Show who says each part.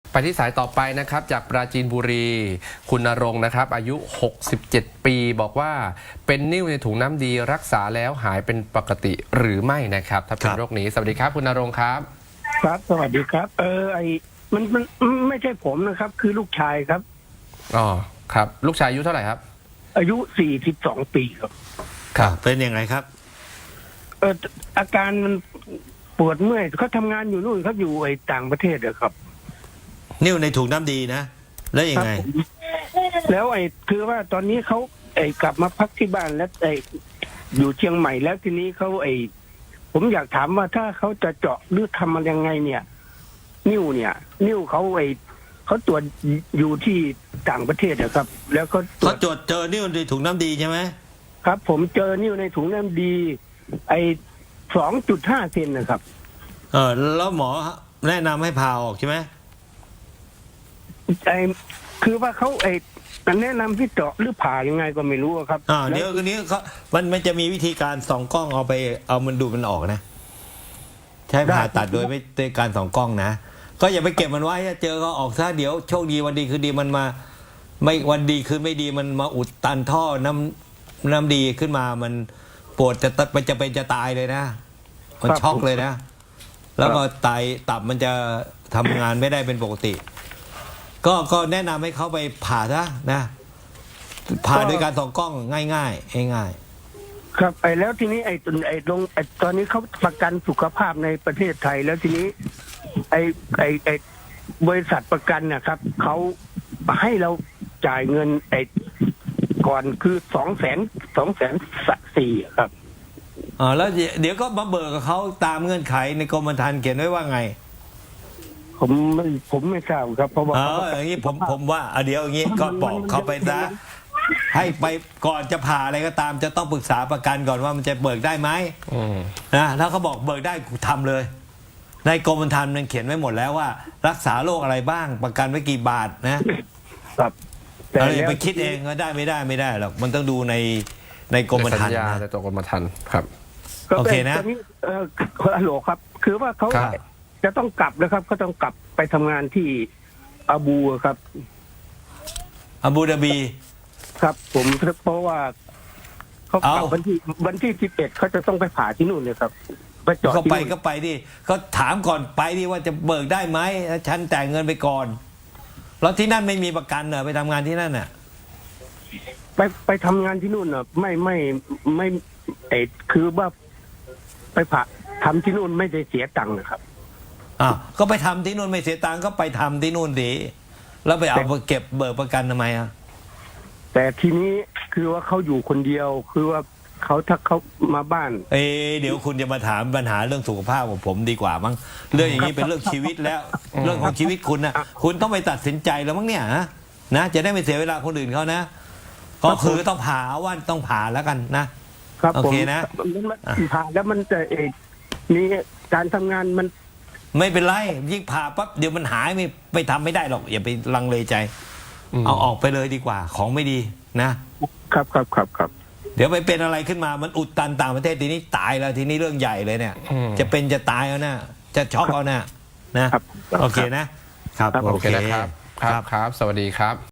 Speaker 1: ไปที่สายต่อไปนะครับจากปราจีนบุรีคุณณรงค์นะครับอายุ67ปีบอกว่าเป็นนิ่วในถุงน้ำดีรักษาแล้วหายเป็นปกติหรือไม่นะครับถ้าเป็นโรคนี้สวัสดีครับคุณณรงค์ครับ
Speaker 2: ครับสวัสดีครับมันไม่ใช่ผมนะครับ คือลูกชายครับ
Speaker 1: อ๋อครับลูกชายอายุเท่าไหร่ครับ
Speaker 2: อายุ42 ปีครับ
Speaker 3: ครับเป็นยังไงครับ
Speaker 2: อาการมันปวดเมื่อยเขาทำงานอยู่นู่นครับอยู่ต่างประเทศครับ
Speaker 3: นิ่วในถุงน้ำดีนะแล้วยังไง
Speaker 2: แล้วคือว่าตอนนี้เขากลับมาพักที่บ้านแล้วอยู่เชียงใหม่แล้วทีนี้เขาผมอยากถามว่าถ้าเขาจะเจาะหรือทำมันยังไงเนี่ยนิ้วเขาตรวจอยู่ที่ต่างประเทศนะครับแล้วก็
Speaker 3: เขาตรวจเจอนิ่วในถุงน้ำดีใช่ไหม
Speaker 2: ครับผมเจอนิ้วในถุงน้ำดี2.5 เซนนะครับ
Speaker 3: แล้วหมอแนะนำให้ผ่าออกใช่ไหม
Speaker 2: คือว่าเขาแนะนำที่เจาะหรือผ่ายังไงก็ไม่รู้ครับ
Speaker 3: เดี๋ยวนี้มันจะมีวิธีการส่องกล้องเอามันดูมันออกนะใช้ผ่าตัดโดยไม่ได้การส่องกล้องนะก็อย่าไปเก็บมันไว้เจอก็ออกซะเดี๋ยวโชคดีวันดีคือดีมันมาไม่วันดีคือไม่ดีมันมาอุดตันท่อน้ำดีขึ้นมามันปวดจะเป็นจะตายเลยนะมันช็อกเลยนะแล้วก็ตับมันจะทำงานไม่ได้เป็นปกติก็แนะนำให้เขาไปผ่าซะนะผ่าโดยการส่องกล้องง่าย
Speaker 2: ครับแล้วทีนี้ตอนนี้เขาประกันสุขภาพในประเทศไทยแล้วทีนี้บริษัทประกันนะครับเขาให้เราจ่ายเงินก่อนคือ204,000ครับ
Speaker 3: แล้วเดี๋ยวก็มาเบิกกับเขาตามเงื่อนไขในกรมธรรม์เขียนไว้ว่าไง
Speaker 2: ผมไม่ทราบครับเพราะว่า
Speaker 3: อย่างนี้ผมว่าเดี๋ยวอย่างนี้ก็บอกเขาไปซะให้ไปก่อนจะผ่าอะไรก็ตามจะต้องปรึกษาประกันก่อนว่ามันจะเบิกได้ไหมนะถ้าเขาบอกเบิกได้ทำเลยในกรมธรรม์มันเขียนไว้หมดแล้วว่ารักษาโรคอะไรบ้างประกันไว้กี่บาทนะครับแต่ไปคิดเองก็ได้ไม่ได้หรอกมันต้องดูในกรมธรรม์
Speaker 1: ในตัวกรมธรรม์ครับ
Speaker 3: โอเคนะ
Speaker 2: ฮัลโหลครับคือว่าเขาจะต้องกลับนะครับเขาต้องกลับไปทำงานที่อาบูครับ
Speaker 3: อาบูดาบี
Speaker 2: ครับผมเพราะว่าเขากลับวันที่11เขาจะต้องไปผ่าที่นู่นเลยครับ
Speaker 3: ไปจอดก็ไปดิก็ถามก่อนไปดิว่าจะเบิกได้ไหมฉันแต่งเงินไปก่อนแล้วที่นั่นไม่มีประกันเหรอไปทำงานที่นั่นน่ะ
Speaker 2: ไปทำงานที่นู่นน่ะไม่คือว่าไปผ่าทำที่นู่นไม่ได้เสียตังค์นะครับ
Speaker 3: ก็ไปทำที่นู่นไม่เสียตังค์ก็ไปทำที่นู่นดีแล้วไปเอาเก็บเบิกประกันทำไม
Speaker 2: แต่ทีนี้คือว่าเขาอยู่คนเดียวคือว่าถ้าเขามาบ้าน
Speaker 3: เดี๋ยวคุณจะมาถามปัญหาเรื่องสุขภาพของผมดีกว่ามั้งเรื่องอย่างนี้เป็นเรื่องชีวิตแล้วเรื่องของชีวิตคุณนะคุณต้องไปตัดสินใจแล้วมั้งเนี่ยนะจะได้ไม่เสียเวลาคนอื่นเขานะก็คือต้องผ่าว่าต้องผ่าแล้วกันนะครับโอเคนะ
Speaker 2: ผ่าแล้วมันจะมีการทำงานมัน
Speaker 3: ไม่เป็นไรยิ่งผ่าปั๊บเดี๋ยวมันหายไม่ทำไม่ได้หรอกอย่าไปลังเลใจเอาออกไปเลยดีกว่าของไม่ดี
Speaker 2: ครับ
Speaker 3: เดี๋ยวไปเป็นอะไรขึ้นมามันอุดตันต่างประเทศทีนี้ตายแล้วทีนี้เรื่องใหญ่เลยเนี่ยจะเป็นจะตายเอานะจะช็อกเอานะโอเคนะครับ
Speaker 1: โอเคนะครับครับสวัสดีครับ